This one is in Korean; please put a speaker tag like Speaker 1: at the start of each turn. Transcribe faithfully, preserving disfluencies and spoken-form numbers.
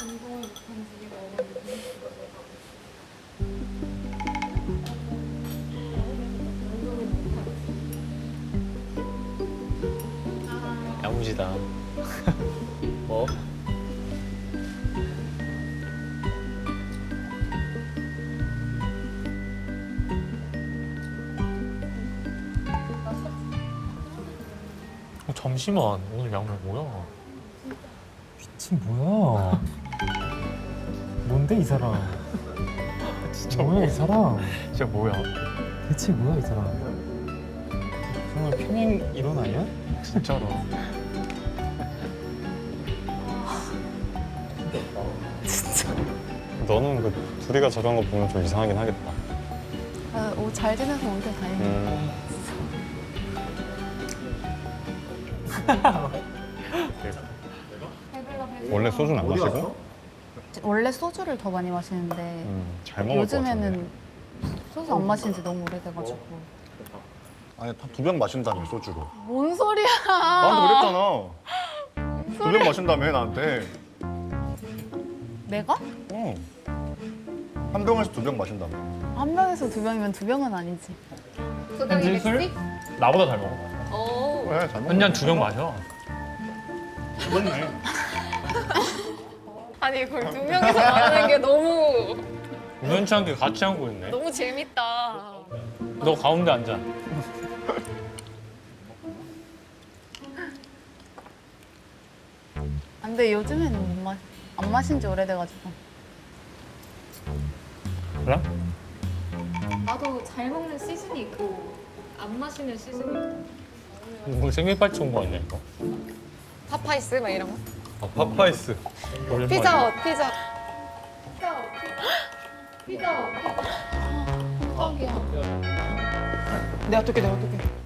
Speaker 1: 운동을 못한 지 얼마나
Speaker 2: 야무지다. 뭐? 어, 잠시만, 오늘 양말 뭐야?
Speaker 3: 미친 뭐야? 뭔데 이 사람?
Speaker 2: 진짜
Speaker 3: 뭐야 이 사람?
Speaker 2: 진짜 뭐야?
Speaker 3: 대체 뭐야 이 사람? 정말 평행 이론 아니야?
Speaker 2: 진짜로.
Speaker 4: 너는 그 둘이가 저런 거 보면 좀 이상하긴 하겠다.
Speaker 5: 아, 옷 잘 지내서 오길 다행이야.
Speaker 4: 음. 원래 소주는 안 마시고?
Speaker 5: 원래 소주를 더 많이 마시는데
Speaker 4: 음, 잘 먹을 것 같은데.
Speaker 5: 요즘에는 소주 안 마신 지 너무 오래돼가지고.
Speaker 6: 아니 두 병 마신다며 소주로.
Speaker 5: 뭔 소리야?
Speaker 6: 나한테 그랬잖아. 두 병 마신다며 나한테.
Speaker 5: 내가?
Speaker 6: 어. 한 병에서 두 병 마신다며.
Speaker 5: 한 병에서 두 병이면 두 병은 아니지.
Speaker 2: 현진 술? 나보다 잘 먹어.
Speaker 1: 어.
Speaker 6: 그래 잘 먹어.
Speaker 2: 현진 두 병 마셔.
Speaker 6: 그렇네.
Speaker 1: 아니 그걸 두 명이서 말하는 게 너무
Speaker 2: 우연치 않게 같이 앉고 있네.
Speaker 1: 너무 재밌다.
Speaker 2: 너 가운데 앉아.
Speaker 5: 아, 근데 요즘에는 못 마, 안 마신 지 오래돼가지고.
Speaker 2: 그래?
Speaker 1: 나도 잘 먹는 시즌이 있고 안 마시는 시즌이 있고.
Speaker 2: 뭐 생일 파티 온 거 아니야 이거?
Speaker 1: 파파이스 막 이런 거.
Speaker 4: 아, 파파이스.
Speaker 2: 오랜만이야.
Speaker 1: 피자헛 피자. 피자헛 피자헛.
Speaker 5: 내가 어떻게 내가 어떻게?